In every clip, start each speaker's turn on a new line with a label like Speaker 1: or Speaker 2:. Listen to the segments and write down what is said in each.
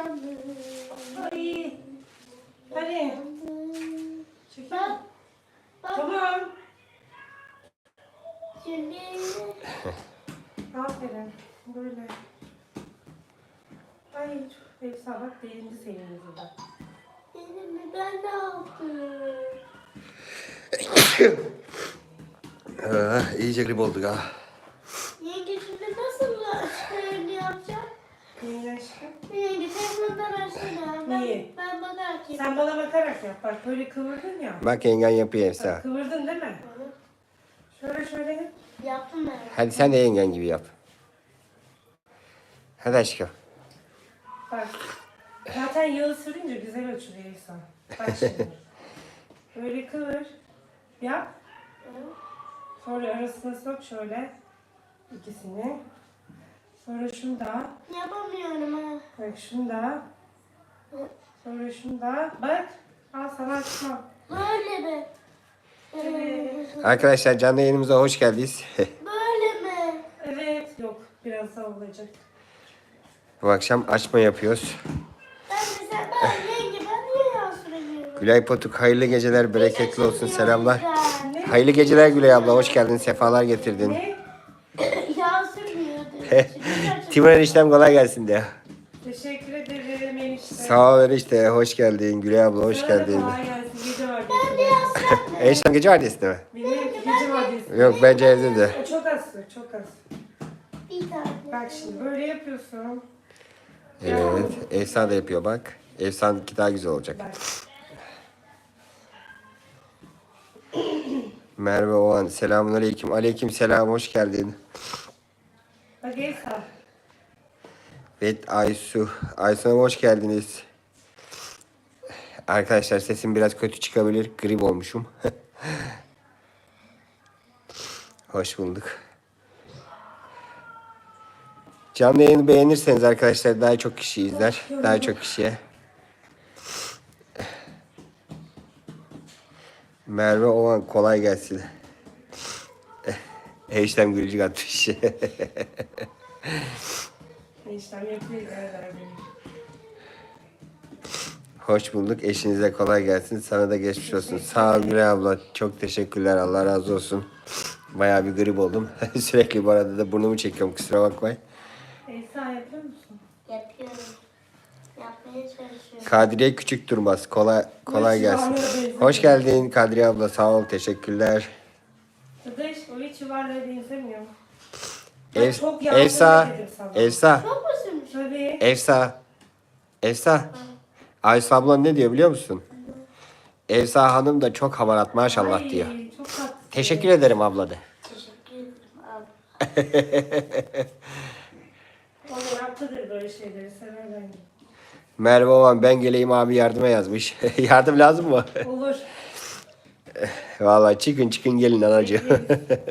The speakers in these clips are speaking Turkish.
Speaker 1: Ay. Hadi. Çekil. Tamam. Aferin. Böyle. Ay çok Efsa bak delindi senin yüzünden.
Speaker 2: Ben ne yaptım?
Speaker 3: İyice grip olduk ha.
Speaker 2: Yenge şimdi nasıl şeyini yapacağım?
Speaker 1: Neyin aşkım?
Speaker 2: Yenge telefondan açsana.
Speaker 1: Niye?
Speaker 2: Ben bakarak yapayım.
Speaker 1: Sen bana bakarak yap. Bak böyle kıvırdın ya.
Speaker 3: Bak yengen yapıyor
Speaker 1: Bak,
Speaker 3: Efsa.
Speaker 1: kıvırdın değil mi? Şöyle yap.
Speaker 2: Yaptım ben.
Speaker 3: Hadi sen de yengen gibi yap. Hadi aşkım.
Speaker 1: Bak. Zaten yağı sürünce güzel açılıyor Efsa. Bak şimdi. Böyle kıvır. Yap. Sonra arasına sok şöyle. İkisini. Sonra şunu da.
Speaker 2: Yapamıyorum ha.
Speaker 1: Bak şunu da. Sonra şunu da. Bak. Al sana açma.
Speaker 2: Böyle mi?
Speaker 1: Evet.
Speaker 3: Arkadaşlar canlı yayınımıza hoş geldiniz.
Speaker 2: Böyle mi?
Speaker 1: Evet. Yok. Biraz daha olacak.
Speaker 3: Bu akşam açma yapıyoruz.
Speaker 2: Ben mesela yenge ben niye yağ süremiyorum?
Speaker 3: Gülay Potuk hayırlı geceler, bereketli olsun, selamlar.
Speaker 2: Ne?
Speaker 3: Hayırlı geceler Gülay abla, hoş geldin, sefalar getirdin.
Speaker 1: Ne?
Speaker 2: Yağ sürmüyordu.
Speaker 3: Timur eniştem kolay gelsin de.
Speaker 1: Teşekkür ederim enişte.
Speaker 3: Sağ ol enişte, hoş geldin. Gülay abla hoş
Speaker 1: Sana da
Speaker 3: geldin.
Speaker 1: kolay gelsin. Gece var.
Speaker 2: Ben de yağ sürmüyorum.
Speaker 3: Eniştem gece vardiyasında mı?
Speaker 1: Benim gece var diyorsun.
Speaker 3: Yok bence evde de.
Speaker 1: O çok az sür, çok az.
Speaker 2: Bir tane.
Speaker 1: Bak şimdi böyle yapıyorsun.
Speaker 3: Evet, Efsa da yapıyor bak. Efsa'nınki daha güzel olacak.
Speaker 1: Bak.
Speaker 3: Merve Oğan, selamun aleyküm. Aleyküm selam, hoş geldin.
Speaker 1: Bak Efsa.
Speaker 3: Evet Aysu. Aysu Hanım hoş geldiniz. Arkadaşlar sesim biraz kötü çıkabilir. Grip olmuşum. Hoş bulduk. Canlı yayını beğenirseniz arkadaşlar daha çok kişi izler. Daha çok kişiye. Merve Oğan kolay gelsin. Eşlem gülücük atmış.
Speaker 1: İşlem yapıyor. Benim.
Speaker 3: Hoş bulduk. Eşinize kolay gelsin. Sana da geçmiş olsun. Sağ ol Gülay abla. Çok teşekkürler. Allah razı olsun. Bayağı bir grip oldum. Sürekli bu arada da burnumu çekiyorum. Kusura bakmayın.
Speaker 1: Efsa yapıyor musun?
Speaker 2: Yapıyorum. Yapmaya çalışıyorum.
Speaker 3: Kadriye Küçük Durmaz. Kolay gelsin. Hoş geldin Kadriye abla. Sağ ol. Teşekkürler.
Speaker 1: Dadaş o hiç yuvarlığa benzemiyor.
Speaker 3: Efsa. Efsa.
Speaker 2: Çok mu sürmüş?
Speaker 1: Tabii.
Speaker 3: Efsa. Aysu abla ne diyor biliyor musun? Efsa hanım da çok hamarat maşallah diyor.
Speaker 1: Çok tatlı.
Speaker 3: Teşekkür ederim abla de.
Speaker 2: Teşekkür ederim abi.
Speaker 1: O meraklıdır böyle şeyleri. Sever bence.
Speaker 3: Merve Oğan ben geleyim abi yardıma yazmış. Yardım lazım mı?
Speaker 1: Olur.
Speaker 3: Vallahi çıkın gelin anacığım.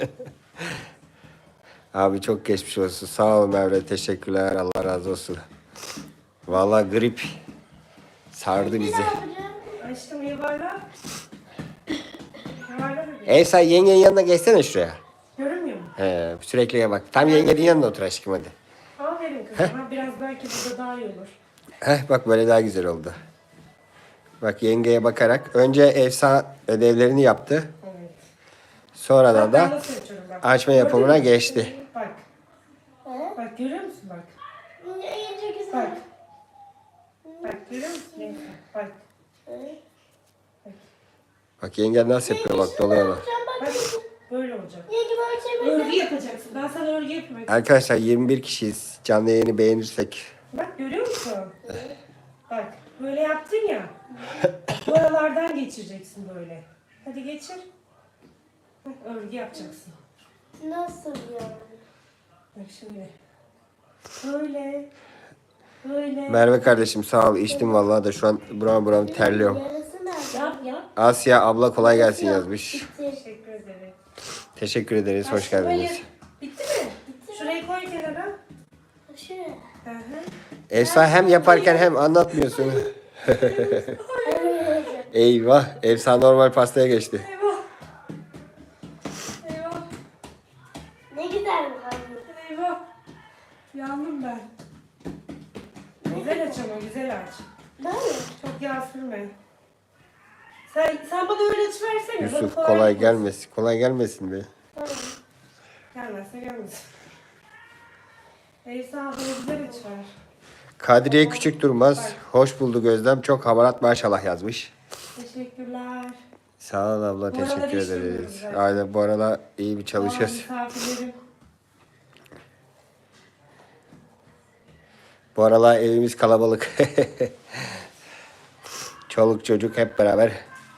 Speaker 3: Abi çok geçmiş olsun. Sağ ol Merve. Teşekkürler. Allah razı olsun. Vallahi grip sardı
Speaker 2: Ne
Speaker 3: bizi.
Speaker 2: yapacağım?
Speaker 1: Aşkım yuvarla. Yuvarla bebeğim.
Speaker 3: Eysa yengenin yanına geçsene şuraya.
Speaker 1: Görünmüyor mu?
Speaker 3: Sürekli bak. Tam yengenin yanına otur aşkım hadi.
Speaker 1: Aferin kızım. Ha, biraz belki burada daha iyi olur.
Speaker 3: Bak böyle daha güzel oldu. Bak yengeye bakarak. Önce Efsa ödevlerini yaptı.
Speaker 1: Evet.
Speaker 3: Sonradan
Speaker 1: Ben
Speaker 3: da
Speaker 1: nasıl açıyorum bak.
Speaker 3: açma
Speaker 1: Gördün
Speaker 3: yapımına
Speaker 1: mü?
Speaker 3: geçti.
Speaker 1: Bak.
Speaker 2: He?
Speaker 1: Bak görüyor musun bak.
Speaker 2: İyice güzel.
Speaker 1: Bak. Bak görüyor musun? Neyse. Bak.
Speaker 2: He?
Speaker 3: Bak yengen nasıl yapıyor bak doluyor bak.
Speaker 1: Bak. Böyle olacak.
Speaker 2: Yenge böyle çevir.
Speaker 1: Örgü yapacaksın. Ben sana örgü yapayım.
Speaker 3: Arkadaşlar 21 kişiyiz. Canlı yayını beğenirsek.
Speaker 1: Bak görüyor musun? Bak böyle yaptın ya. Bu aralardan geçireceksin böyle. Hadi geçir. Bak, örgü yapacaksın.
Speaker 2: Nasıl yani?
Speaker 1: Bak şimdi. Böyle. Böyle.
Speaker 3: Merve kardeşim sağ ol. İçtim vallahi da şu an buram terliyorum.
Speaker 2: Yarısı nerede?
Speaker 1: Yap.
Speaker 3: Asya abla kolay gelsin yazmış.
Speaker 2: Bitti.
Speaker 1: Teşekkür ederim.
Speaker 3: Teşekkür ederiz. Hoş
Speaker 1: Aşkım,
Speaker 3: geldiniz.
Speaker 1: hayır. Bitti mi? Şurayı koy kenara.
Speaker 2: Şuraya.
Speaker 1: Hı hı.
Speaker 3: Efsa hem yaparken hem anlatmıyorsun. Eyvah. Efsa normal pastaya geçti.
Speaker 1: Eyvah. Eyvah.
Speaker 2: Ne güzel bu hamur.
Speaker 1: Eyvah. Yandım ben. Güzel açamam ama güzel aç.
Speaker 2: Ben mi?
Speaker 1: Çok yağ sürme. Sen bana öyle versene.
Speaker 3: Yusuf
Speaker 1: bana
Speaker 3: kolay
Speaker 1: gelmesin.
Speaker 3: gelmesin. Kolay gelmesin be.
Speaker 2: Tamam.
Speaker 1: Gelmezse gelmesin. Eysa bana güzel aç ver.
Speaker 3: Kadriye Küçük Durmaz. Hoş bulduk Özlem. Çok hamarat maşallah yazmış.
Speaker 1: Teşekkürler.
Speaker 3: Sağ ol abla.
Speaker 1: Bu aralar
Speaker 3: Teşekkür
Speaker 1: iş
Speaker 3: ederiz.
Speaker 1: yapıyoruz zaten.
Speaker 3: Aynen bu aralar iyi bir çalışıyoruz.
Speaker 1: Misafirlerim.
Speaker 3: Bu aralar evimiz kalabalık. Çoluk çocuk hep beraber.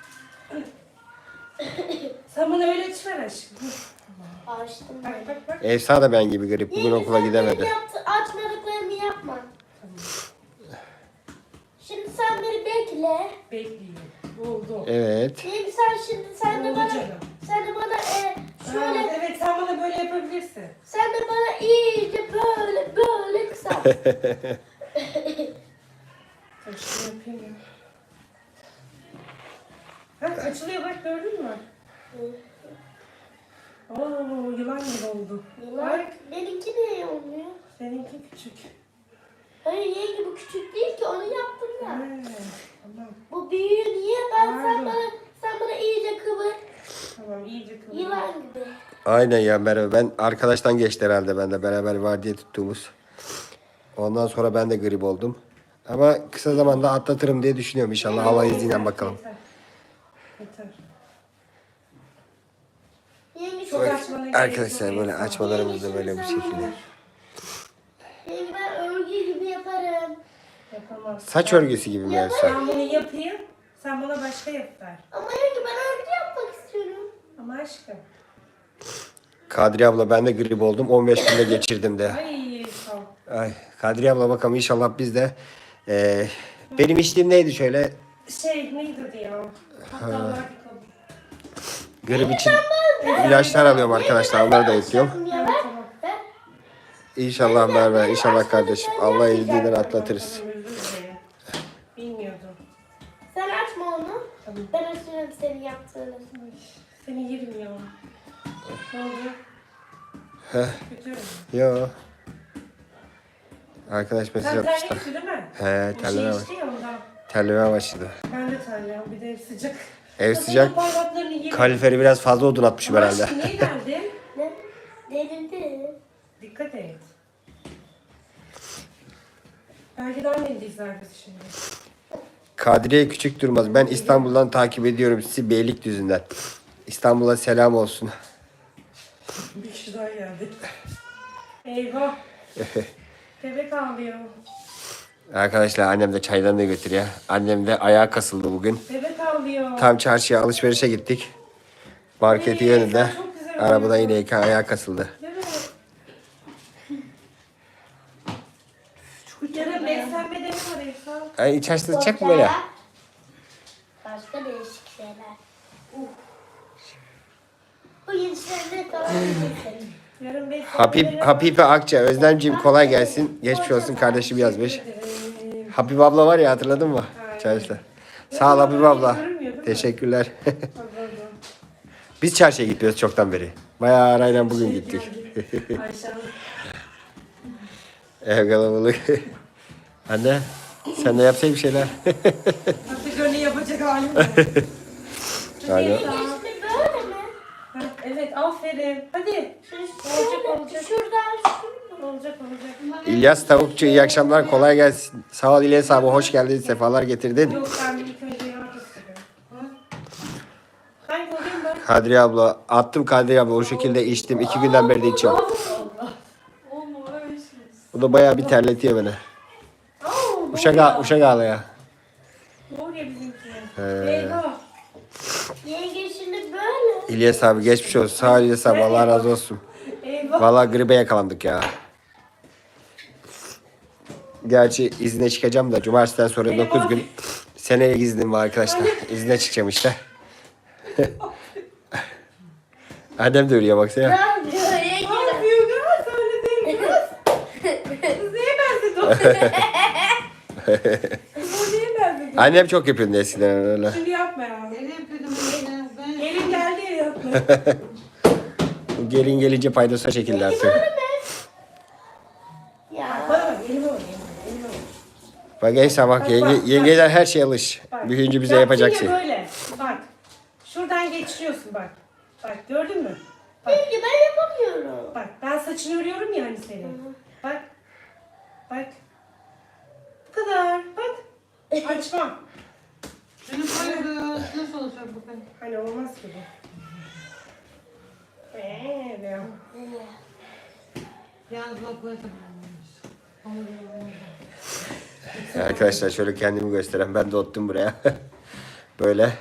Speaker 1: Sen bana öyle aç ver aşkım.
Speaker 2: Açtım
Speaker 1: Bak
Speaker 2: ben.
Speaker 1: bak bak.
Speaker 3: Efsa da ben gibi grip. Bugün okula gidemedi.
Speaker 2: Açmadıklarını yapma. Şimdi sen beni bekle.
Speaker 1: Bekleyin. Oldu.
Speaker 3: Evet.
Speaker 2: Benim sen de
Speaker 1: Oldu
Speaker 2: bana
Speaker 1: canım.
Speaker 2: şöyle
Speaker 1: Evet sen bana böyle yapabilirsin.
Speaker 2: sen de bana iyice böyle kısalt.
Speaker 1: Dur şunu yapayım ya. Bak açılıyor bak gördün mü? Oo yılan gibi oldu.
Speaker 2: Yılan, benimki de olmuyor.
Speaker 1: Seninki küçük.
Speaker 2: Hayır yenge bu küçük değil ki onu yaptım ben.
Speaker 1: Tamam.
Speaker 2: Bu büyüğü niye? Sen
Speaker 1: Pardon.
Speaker 2: bana iyice kıvır.
Speaker 1: Tamam iyice kıvır.
Speaker 2: Yılan gibi.
Speaker 3: Aynen ya Merve. Ben arkadaştan geçti herhalde ben de beraber var diye tuttuğumuz. Ondan sonra ben de grip oldum. Ama kısa zamanda atlatırım diye düşünüyorum inşallah. Allah izniyle bakalım.
Speaker 1: Yeter. Yeter.
Speaker 2: Yenge
Speaker 1: Çok
Speaker 2: şu
Speaker 1: açmana gerek yok.
Speaker 3: Arkadaşlar böyle
Speaker 1: Eysa.
Speaker 3: açmalarımız da böyle bir şekilde.
Speaker 2: Yenge ben örgü gibi yaparım.
Speaker 1: Yapamam.
Speaker 3: Saç örgüsü gibi mi Efsa?
Speaker 1: Ben bunu yapayım. Sen bana başka yap ver.
Speaker 2: Ama yenge ben örgü yapmak istiyorum.
Speaker 1: Ama aşkım.
Speaker 3: Kadriye abla ben de grip oldum. 15 günde geçirdim de.
Speaker 1: Ay sağ ol.
Speaker 3: Ay, Kadriye abla bakalım inşallah biz de. Benim içtiğim neydi şöyle?
Speaker 1: Neydi adı ya? Hatta var bir kabı.
Speaker 3: Grip için ilaçlar alıyorum arkadaşlar. Onları da ekliyorum.
Speaker 2: Ya
Speaker 1: Evet,
Speaker 2: ben,
Speaker 1: tamam.
Speaker 2: ben
Speaker 3: İnşallah Merve, inşallah kardeşim. Allah izniyle atlatırız.
Speaker 1: Tamam, özür dilerim. Bilmiyordum.
Speaker 2: sen açma onu.
Speaker 1: Tamam.
Speaker 2: Ben açarım senin yaptığını.
Speaker 1: Ay, seni yerim ya. Ne oldu? Kötü mü?
Speaker 3: Yo. Arkadaş mesaj
Speaker 1: Sen
Speaker 3: yapmışlar.
Speaker 1: terliyorsun değil mi?
Speaker 3: He,
Speaker 1: Bir
Speaker 3: terleme
Speaker 1: şey
Speaker 3: var.
Speaker 1: içti ya ondan.
Speaker 3: Terlemeye başladı.
Speaker 1: Ben de terliyorum. Bir de ev sıcak.
Speaker 3: Ev
Speaker 1: Kadının
Speaker 3: sıcak.
Speaker 1: parmaklarını yerim.
Speaker 3: Kaloriferi biraz fazla odun atmışım
Speaker 1: Ama
Speaker 3: herhalde.
Speaker 1: aşkım niye geldin?
Speaker 2: Ne? Delirdi.
Speaker 1: Dikkat et. Belki de annen de izler bizi şimdi.
Speaker 3: Kadriye Küçük Durmaz. Ben İstanbul'dan takip ediyorum sizi Beylikdüzü'nden. İstanbul'a selam olsun.
Speaker 1: Bir kişi daha geldi. Eyvah. Bebek ağlıyor.
Speaker 3: Arkadaşlar annem de çaylarını götürüyor. Annem de ayağa kasıldı bugün.
Speaker 1: Bebek ağlıyor.
Speaker 3: Tam çarşıya alışverişe gittik. Marketi yönünde.
Speaker 1: çok güzel
Speaker 3: Arabada yine ayağa kasıldı.
Speaker 1: Değil mi? Yarın beslenme de mi var Efsa?
Speaker 3: Ay içerisi sıcak mı böyle?
Speaker 2: Başka değişik şeyler. Bu gençlerine kalan bir
Speaker 1: Yarın beslenme
Speaker 3: Habibe Akça. Özlemciğim kolay gelsin. Geçmiş olsun kardeşim yazmış. Habibe abla var ya hatırladın mı? Çarşıda. Sağ ol Habibe abla. Teşekkürler. Biz çarşıya gidiyoruz çoktan beri. Bayağı arayla bugün gittik.
Speaker 1: Ayşe
Speaker 3: Ev kalabalık. Anne sen de yapsay bir şeyler.
Speaker 1: artık öyle yapacak halim yok.
Speaker 3: Aynen.
Speaker 2: İşte böyle mi?
Speaker 1: Ha, evet aferin. Hadi. Olacak.
Speaker 2: Şuradan
Speaker 1: Olacak.
Speaker 3: İlyas Tavukçu iyi akşamlar kolay gelsin. Sağ ol İlyas abi hoş geldin sefalar getirdin.
Speaker 1: Yok ben ilk önce yardım istedim. Hangi olayım ben?
Speaker 3: Kadriye abla attım Kadriye abla o şekilde içtim 2 günden beri de içiyorum. Bu da bayağı bir terletiyor beni. Uşak ağlaya.
Speaker 1: Ne oluyor bizimki?
Speaker 3: He.
Speaker 1: Eyvah.
Speaker 2: yenge şimdi böyle.
Speaker 3: İlyas abi geçmiş olsun. Sağ ol İlyas abi Allah razı olsun.
Speaker 1: Eyvah.
Speaker 3: Vallahi gribe yakalandık ya. Gerçi izne çıkacağım da cumartesiden sonra 9 gün seneye iznim var arkadaşlar. İzne çıkacağım işte. Annem de ölüyor baksana.
Speaker 2: Ne yapıyor
Speaker 1: Ne
Speaker 2: yenge?
Speaker 1: yapıyor kız? Öyle değil kız. Kız neye benzedi o? Kız o neye benzedi?
Speaker 3: Annem çok yapıyordu eskiden öyle.
Speaker 1: Şimdi yapma ya. Gelin geldi ya yapma.
Speaker 3: Bu gelin gelince paydosuna çekildi artık.
Speaker 2: Ya.
Speaker 1: Bana bak elime bak elime bak.
Speaker 3: Bak Efsa bak,
Speaker 1: Bak,
Speaker 3: yenge,
Speaker 1: bak.
Speaker 3: yengeler her şeye alış.
Speaker 1: Bak.
Speaker 3: Büyüyünce bize
Speaker 1: Yaptın
Speaker 3: yapacak
Speaker 1: ya
Speaker 3: şey.
Speaker 1: böyle. Bak. Şuradan geçiriyorsun bak. Bak gördün mü? Bak.
Speaker 2: Yenge ben yapamıyorum.
Speaker 1: Bak ben saçını örüyorum ya hani senin. Bak. Bak. Bu kadar. Bak. Açma.
Speaker 4: Şunu koyuyoruz. Nasıl olacak bu kadar?
Speaker 1: Hani olmaz ki bu. Diyor.
Speaker 4: Yalnız bak böyle tamamlamış.
Speaker 3: Arkadaşlar şöyle kendimi gösteren, ben de ottum buraya. Böyle.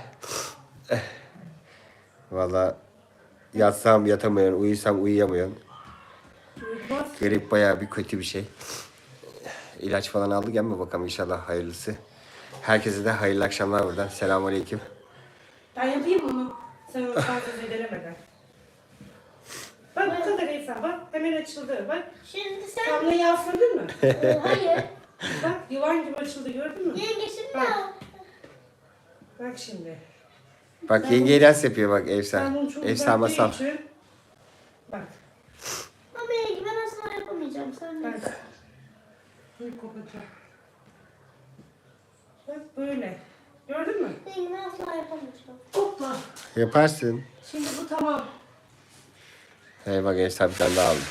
Speaker 3: Valla yatsam yatamıyorum, uyusam uyuyamıyorum.
Speaker 1: Uyutmaz.
Speaker 3: Grip bayağı bir kötü bir şey. İlaç falan aldık ama bakalım inşallah hayırlısı. Herkese de hayırlı akşamlar buradan. Selamünaleyküm.
Speaker 1: Ben yapayım onu. Sen onu fazla zedelemeden. Bak bu kadar Esra. Bak hemen açıldı. Bak.
Speaker 2: Şimdi sen...
Speaker 1: Kamlayı asladın mı?
Speaker 2: Hayır.
Speaker 1: Bak yuvan gibi açıldı gördün mü?
Speaker 2: Yenge şimdi
Speaker 1: Bak.
Speaker 2: al.
Speaker 1: Bak şimdi.
Speaker 3: Bak yenge ders yapıyor bak Efsa.
Speaker 1: Sen bunu çok
Speaker 3: Efsa
Speaker 1: uzattığı
Speaker 3: masal.
Speaker 1: için- Bak.
Speaker 2: Ama yenge ben asla yapamayacağım. Sen de.
Speaker 1: Bak.
Speaker 4: Suyu kopacak.
Speaker 1: Bak böyle. Gördün mü?
Speaker 2: Yenge ben asla yapamayacağım.
Speaker 1: Hopla.
Speaker 3: Yaparsın.
Speaker 1: Şimdi bu tamam.
Speaker 3: Hey bak Efsa bir tane daha aldı.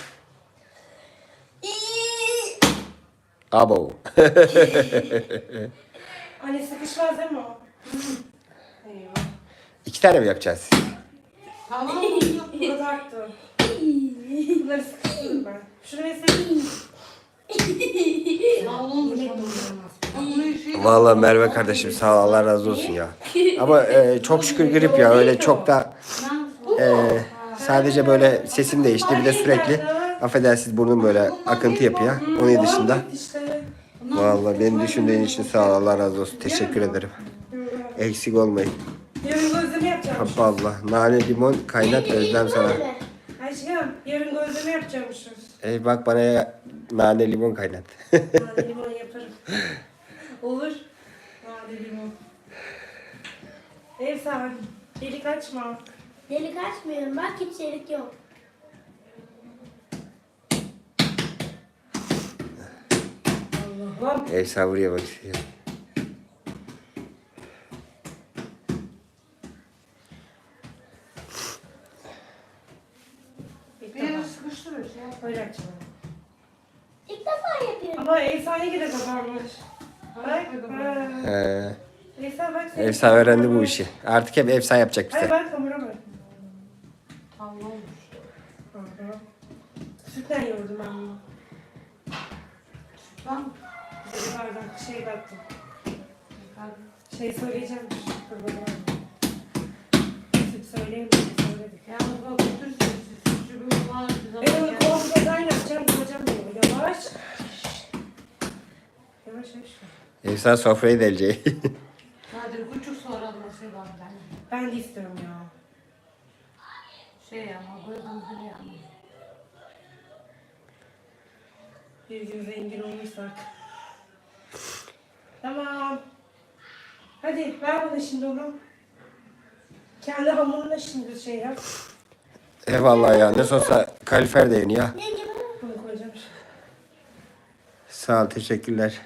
Speaker 3: Abo.
Speaker 1: Anne sıkışmaz değil mi o? Eyvah.
Speaker 3: 2 tane mi yapacağız?
Speaker 4: Tamam mı?
Speaker 1: Bu kadar arttı. Bunları sıkıştırdım ben. Şunu versene.
Speaker 4: Sağ olun.
Speaker 3: Vallahi Merve kardeşim sağ ol, Allah razı olsun ya. Ama çok şükür grip ya, öyle çok da sadece böyle sesim değişti, bir de sürekli affedersiniz burnum böyle akıntı yapıyor. Onun dışında
Speaker 1: İşte.
Speaker 3: vallahi beni düşündüğün için sağ ol, Allah razı olsun, teşekkür ederim. Eksik olmayın.
Speaker 1: Yarın gözleme yapacağım.
Speaker 3: Vallahi nane limon kaynat özlem sana.
Speaker 2: Böyle.
Speaker 1: Aşkım yarın gözleme yapacakmışız.
Speaker 3: Bak bana nane limon kaynat.
Speaker 1: Nane limon yaparım. Olur. Nane limon. Ev sahibi. Delik açma.
Speaker 2: Delik açmıyorum. Bak hiç delik yok.
Speaker 1: Allah'ım.
Speaker 3: Efsa buraya bak.
Speaker 4: Bir yere sıkıştırıyor şey yap.
Speaker 1: Öyle açma.
Speaker 2: İlk defa yapıyorum.
Speaker 1: Ama ev sahibi de kapanmış. Bak.
Speaker 3: He.
Speaker 1: Efsa bak. senin-
Speaker 3: Efsa öğrendi bu işi. Artık hep Efsa yapacak
Speaker 1: Hadi
Speaker 3: bize.
Speaker 1: bak kamera bak.
Speaker 4: Tamam olmuş.
Speaker 1: Hı hı. Sütten yoğurdum ben bunu.
Speaker 4: Tamam.
Speaker 1: Bir bardak şey baktım. Şey söyleyeceğim. Dur bakalım. Süt söyleyeyim. Söyledik.
Speaker 4: Yalnız bak bütün suçu bir var.
Speaker 1: Ben onu kontrolden yapacağım. Yapacağım bunu. Yavaş. Yavaş yavaş.
Speaker 3: Efsa sofrayı delecek.
Speaker 4: Nadir buçuk sonra da şey var ben.
Speaker 1: Ben de istiyorum ya.
Speaker 4: Şey ama böyle bir yani.
Speaker 1: Bir gün zengin olursak. Tamam. Hadi ver bana şimdi onu. Kendi hamuruna şimdi şey yap.
Speaker 3: Eyvallah ya, ne olsa kalifer de yeni ya.
Speaker 2: Yenge ben
Speaker 1: Bunu koyacağım.
Speaker 3: Sağ ol, teşekkürler.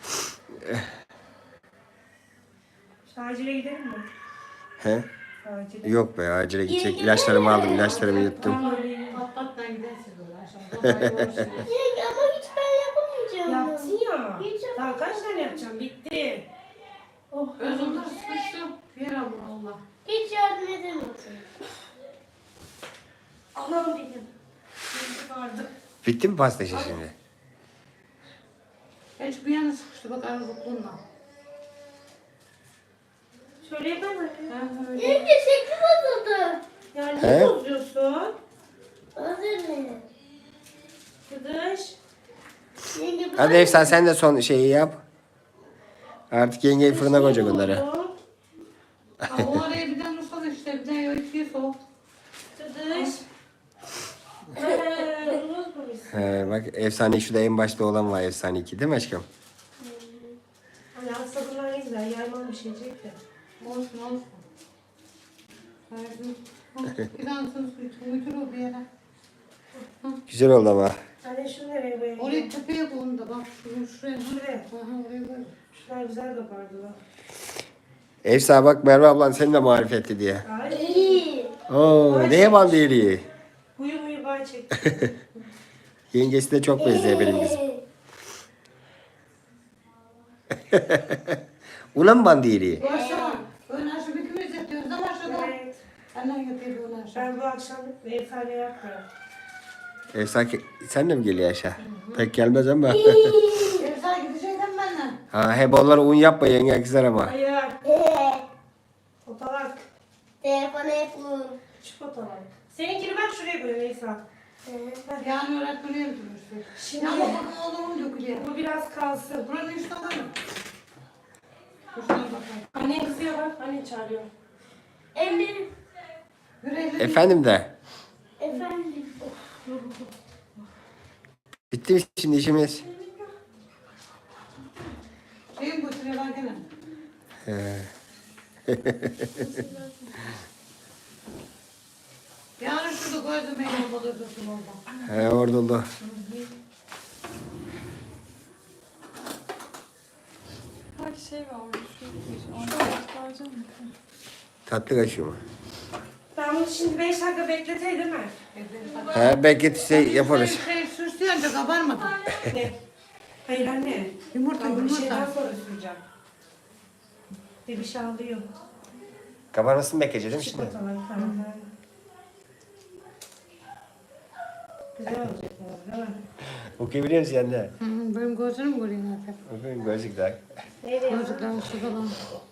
Speaker 1: Acile gidelim mi?
Speaker 3: He?
Speaker 1: Acile.
Speaker 3: Yok be, acile gidecek. İlaçlarımı aldım, ilaçlarımı yuttum.
Speaker 1: Tamam öyle iyi.
Speaker 4: Patlattan gidersin böyle aşağıda.
Speaker 2: Yenge ama hiç ben yapamayacağım.
Speaker 1: Yapsın ya.
Speaker 2: Hiç
Speaker 1: Daha kaç tane yapacağım? Bitti. Oh.
Speaker 4: Özümde sıkıştım. Bir ama Allah.
Speaker 2: Hiç yardım edemiyorsun.
Speaker 1: Allah'ım benim. Bitti vardı.
Speaker 3: Bitti mi pasta işi şimdi?
Speaker 4: Ben şu bir yana sıkıştı bak arabukluğunla.
Speaker 1: Şöyle yapalım mı? Öyle.
Speaker 2: Yenge şekli bozuldu.
Speaker 1: Yani
Speaker 3: He?
Speaker 1: ne bozuyorsun?
Speaker 2: Özür dilerim.
Speaker 1: Kıdış.
Speaker 2: Yenge ben...
Speaker 3: Hadi Efsa sen de son şeyi yap. Artık yengeyi fırına koyacak onları.
Speaker 4: Ama o araya bir tane ıslat işte bir tane öğütüye soğuk.
Speaker 1: Kıdış. Unutmamışsın.
Speaker 3: He, bak efsane şurada en başta olan var, efsane 2 değil mi aşkım?
Speaker 1: Hani aslında bunlar ne güzel. Yayman bir şeycek de.
Speaker 4: Olsun olsun. Verdim. Bir tanesini su için götür o bir yere.
Speaker 3: Güzel oldu ama.
Speaker 1: Anne şunu nereye koyayım?
Speaker 4: Oraya tepeye koyun da bak şuraya.
Speaker 1: Şuraya.
Speaker 4: Aha oraya koy.
Speaker 1: Şunlar güzel kabardılar.
Speaker 3: Efsa bak Merve ablan seni de marifetti diye.
Speaker 1: Ay.
Speaker 2: İyi.
Speaker 3: Oo neye bandı iyiliği?
Speaker 1: Huyu bay çekti.
Speaker 3: Yengesi de çok benziyor benim kızım. Una mı bandı iyiliği?
Speaker 4: Başla. Ön aşağı bir kümes yapıyoruz da başladı.
Speaker 1: Evet.
Speaker 4: Annen yapıyor ön aşağı.
Speaker 1: Ben bu akşam efsane yapmıyorum.
Speaker 3: Efsa sen de mi geliyor aşağı? Pek gelmez ama.
Speaker 4: Efsane gideceksin benimle.
Speaker 3: Ha hep onlara un yapma yenge kızar ama.
Speaker 1: Hayır.
Speaker 2: Ee,
Speaker 1: Fotoğraf.
Speaker 2: telefonu hep vur.
Speaker 1: Şu fotoğraf. Seninkini ben şuraya koyayım Efsa.
Speaker 4: Yani öğretmeni yapıyoruz.
Speaker 1: Şimdi
Speaker 4: Ya bakın oğlumun dökülüyor.
Speaker 1: bu biraz kalsın.
Speaker 4: Buranın işte alalım. Şuna bakalım.
Speaker 1: Annen kızıyor bak. Annen çağırıyor.
Speaker 2: Ellerim.
Speaker 4: Yüreğleri
Speaker 3: Efendim de.
Speaker 2: Efendim.
Speaker 3: Bitti mi şimdi işimiz?
Speaker 4: şeyin götürüyorlar gene. Yani şurada koydum el olmalı dursun orada.
Speaker 3: He orada oldu.
Speaker 5: Bak şey varmış. Onu çıkaracağım mı?
Speaker 3: Tatlı kaşığı mı?
Speaker 1: Ben bunu şimdi 5 dakika bekleteyim mi?
Speaker 3: He belki şey yaparız.
Speaker 4: Şey süslü önce kabarmadı.
Speaker 1: Ne? Hayır anne.
Speaker 4: Yumurta
Speaker 1: Ben bir şeyden
Speaker 4: yumurta.
Speaker 1: sonra süreceğim. Bir şey alıyor.
Speaker 3: Kabarmasını bekleyeceğiz değil mi şimdi?
Speaker 1: Çikolatalar falan. Güzel olacak bu, değil mi?
Speaker 3: Okuyabiliyor musun sen de?
Speaker 4: Hı hı, benim gözlerim görüyor artık.
Speaker 3: Okuyun gözlük daha.
Speaker 1: Nereye?
Speaker 4: Gözlükler şu falan.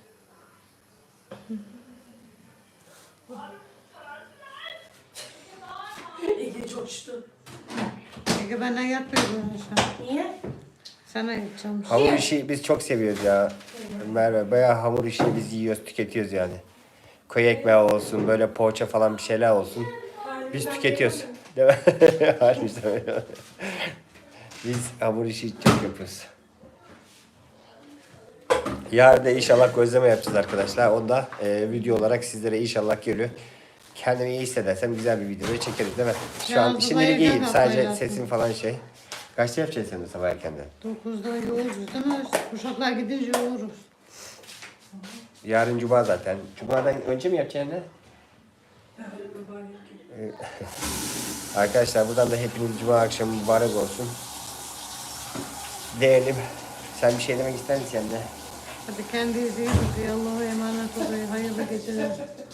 Speaker 1: Ege coştu.
Speaker 4: Ege benden yapmıyor bunu aşağı.
Speaker 1: Niye?
Speaker 4: Sana yapacağım.
Speaker 3: Hamur işi biz çok seviyoruz ya. Merve bayağı hamur işini biz yiyoruz, tüketiyoruz yani. Koyu ekmeği olsun, böyle poğaça falan bir şeyler olsun. Biz tüketiyoruz. Değil mi? Harbiden öyle. Biz hamur işi çok yapıyoruz. Yarın da inşallah gözleme yapacağız arkadaşlar. Onu da video olarak sizlere inşallah geliyor. Kendimi iyi hissedersem güzel bir video çekeriz değil mi? Şu an
Speaker 4: Ya,
Speaker 3: şimdilik
Speaker 4: Dubai'ye
Speaker 3: iyiyim.
Speaker 4: gel
Speaker 3: Sadece
Speaker 4: paylaştım.
Speaker 3: sesim falan şey. Kaçta yapacaksın sen de sabah erkenden?
Speaker 4: 9'da yoğururuz değil mi? Uşaklar gidince yoğururuz.
Speaker 3: Yarın cuma zaten. Cuma'dan önce mi yapacaksın ne? Arkadaşlar buradan da hepiniz cuma akşamı mübarek olsun. Değerlim. Sen bir şey demek ister misin sen de?
Speaker 4: Hadi kendinize iyi bakın. Allah'a emanet olun. Hayırlı geceler.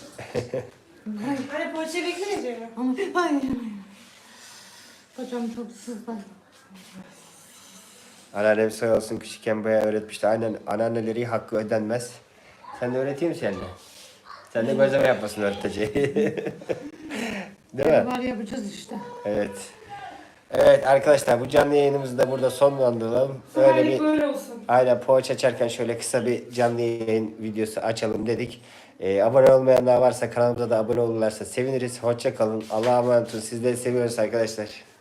Speaker 1: Hani poğaça beklemeyecek mi?
Speaker 4: Ama hayır. Kocam çok sızlar.
Speaker 3: Anneannem sağ olsun küçükken bayağı öğretmişti. Aynen anneanneleri hakkı ödenmez. Sen de öğreteyim mi sen de? Sen de gözleme yapmasın öğreteceği. Değil mi?
Speaker 4: Var yapacağız işte.
Speaker 3: Evet. Evet arkadaşlar bu canlı yayınımızı da burada sonlandıralım. Öyle
Speaker 1: Öyle
Speaker 3: bir
Speaker 1: böyle olsun.
Speaker 3: aynen poğaça açarken şöyle kısa bir canlı yayın videosu açalım dedik. Abone olmayanlar varsa kanalımıza da abone olurlarsa seviniriz. Hoşça kalın. Allah'a emanet olun. Sizleri seviyoruz arkadaşlar.